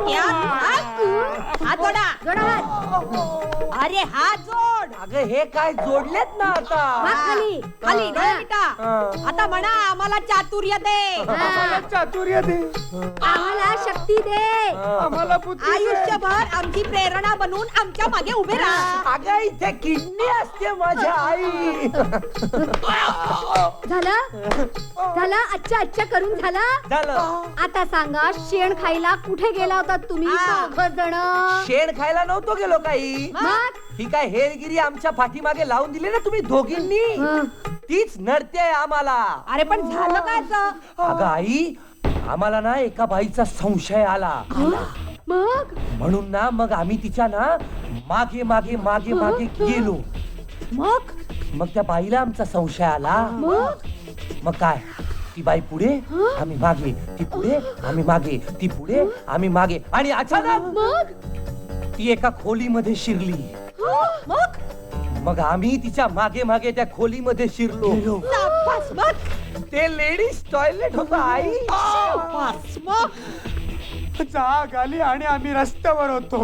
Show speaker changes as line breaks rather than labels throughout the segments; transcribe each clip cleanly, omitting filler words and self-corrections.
हात जोडा. अरे हात जोड.
अगं हे काय जोडलेत ना आता.
खाली खाली डोळे मिटा. आता म्हणा आम्हाला चातुर्य दे.
चातुर्य दे,
आम्हाला शक्ती दे.
आम्हाला बुद्धी दे.
आयुष्यभर आमची प्रेरणा बनून आमच्या मागे उभे राहा.
अगं इथे किडनी असते माझ्या आई.
झालं अच्छा अच्छा करून
झालं.
आता सांगा शेण खायला कुठे गेला होता तुम्ही जण.
शेण खायला नव्हतो गेलो काही. ही काय हेरगिरी आमच्या पाठीमागे लावून दिली ना तुम्ही दोघींनी, तीच नडते आम्हाला.
अरे पण झालं काय?
अगं आई, आम्हाला ना एका बाईचा संशय आला.
मग
म्हणून ना मग आम्ही तिच्या ना मागे मागे मागे मागे गेलो. मग त्या बाईला आमचा संशय आला. मग काय, ती बाई पुढे आम्ही मागे, ती पुढे आम्ही मागे, ती पुढे आम्ही मागे, आणि अचानक ती एका खोलीमध्ये शिरली. मग आम्ही तिच्या मागे मागे त्या खोलीमध्ये शिरलो. ते लेडीज टॉयलेट होतं आई.
जाग आली आणि आम्ही रस्त्यावर होतो.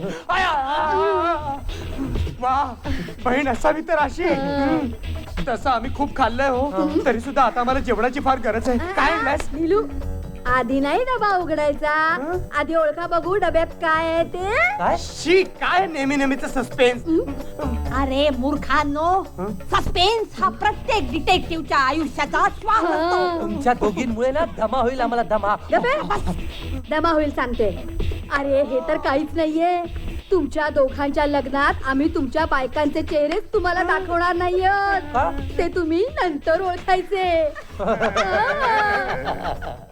वा, बहीण असावी तर अशी. तसं आम्ही खूप खाल्लंय हो, तरी सुद्धा आता आम्हाला जेवणाची फार गरज आहे. काय आणलंस?
नीलू, आधी नाही डबा उघडायचा, आधी ओळखा बघू डब्यात काय आहे ते.
काय
शी, काय नेहमी नेहमीच सस्पेन्स.
अरे मूर्खांनो, सस्पेन्स हा प्रत्येक डिटेक्टिव्हच्या आयुष्याचा श्वास असतो.
तुमच्या दोघींमुळे ना दमा होईल आम्हाला, दमा.
दमा होईल सांगते. अरे हे तर काहीच नाहीये. तुमच्या दोघांच्या लग्नात आम्ही तुमच्या बायकांचे चेहरेच तुम्हाला दाखवणार नाहीये. ते तुम्ही नंतर ओळखायचे.